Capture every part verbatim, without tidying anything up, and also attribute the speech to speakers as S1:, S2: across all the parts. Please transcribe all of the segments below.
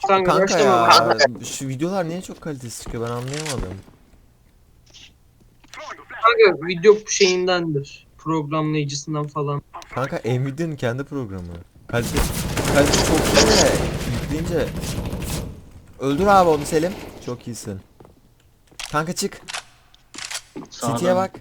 S1: Kanka,
S2: Kanka
S1: başlama bak.
S2: ya şu videolar niye çok kalitesiz çıkıyor ben anlayamadım.
S1: Kanka video şeyindendir. Programlayıcısından falan.
S2: Kanka Nvidia'nın kendi programı. Kalite, kalite çok iyi de yükleyince. Öldür abi onu Selim. Çok iyisin. Kanka çık. City'ye
S3: Sağdan.
S2: bak.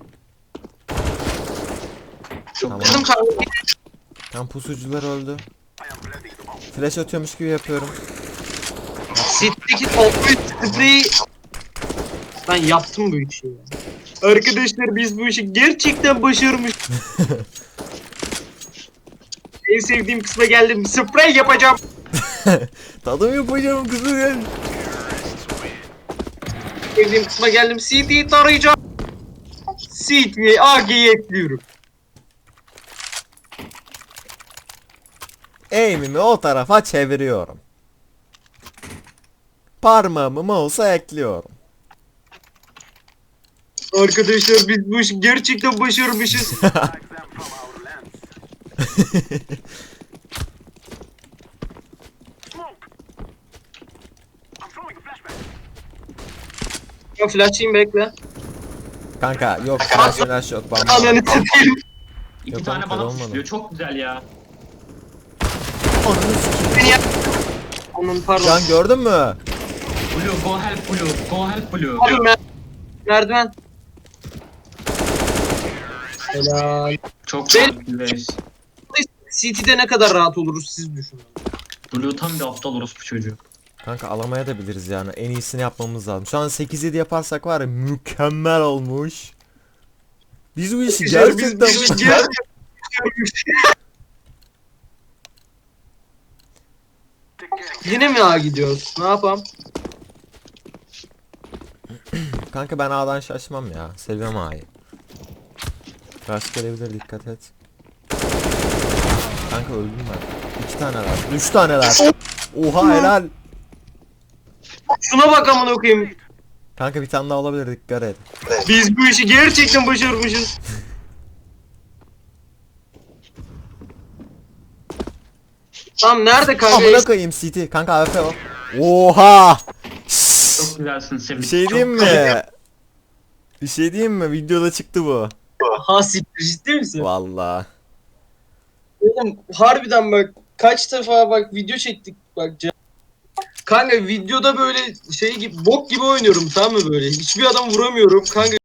S3: Çok
S2: Tamam.
S1: Kızım kanka.
S2: Tam pusucular öldü. Flash atıyormuş gibi yapıyorum.
S1: City'deki toplu spreyi ben yaptım bu işi ya. Arkadaşlar biz bu işi gerçekten başarmış. En sevdiğim kısma geldim. Sprey yapacağım.
S2: Tadım yapacağım kızım gel.
S1: Sevdiğim kısma geldim. C T'yi tarayacağım. C T'ye A G'yi ekliyorum.
S2: Aim'imi o tarafa çeviriyorum. Parmağımı mouse'a ekliyorum.
S1: Arkadaşlar biz bu işi gerçekten başarmışız. Ya flash'ıyım bekle.
S2: Kanka yok flash flash yok bamba.
S1: Ananı satayım.
S3: İki
S2: Yok,
S3: tane
S2: ben
S3: bana
S2: kırılmadım.
S3: puşluyor. Çok güzel ya.
S1: Onun pardon.
S2: Can gördün mü?
S3: Blue go help Blue. Go help Blue.
S1: Abi mer merdiven. Helal.
S3: Çok
S1: Ben-
S3: güzel.
S1: C T'de ne kadar rahat oluruz siz düşünün.
S3: Blue tam bir aptal orospu çocuğu.
S2: Kanka alamaya da biliriz yani. En iyisini yapmamız lazım. Şu an sekiz yedi yaparsak var ya mükemmel olmuş. Biz bu işi
S1: Güzel, biz-
S2: gerçekten
S1: biz- biz gerçekten- Yine mi A gidiyoruz? Ne yapalım?
S2: Kanka ben A'dan şaşmam ya. Seviyorum A'yı. Rush gelebilir dikkat et. Kanka öldüm ben. İki taneler. Üç taneler. Oha helal.
S1: Şuna bak amına koyayım.
S2: Kanka bir tane daha olabilir dikkat et.
S1: Biz bu işi gerçekten başarmışız. Tam nerede kanka?
S2: Amına koyayım C T. Kanka A F o. Oha.
S3: Çok güzelsin Semih.
S2: Bir şey diyeyim mi? Bir şey diyeyim mi? Videoda çıktı bu.
S1: Ha siktir ciddi misin?
S2: Vallahi.
S1: Oğlum harbiden bak kaç defa bak video çektik bak. ca- Kanka videoda böyle şey gibi bok gibi oynuyorum tamam mı böyle? Hiçbir adam vuramıyorum kanka.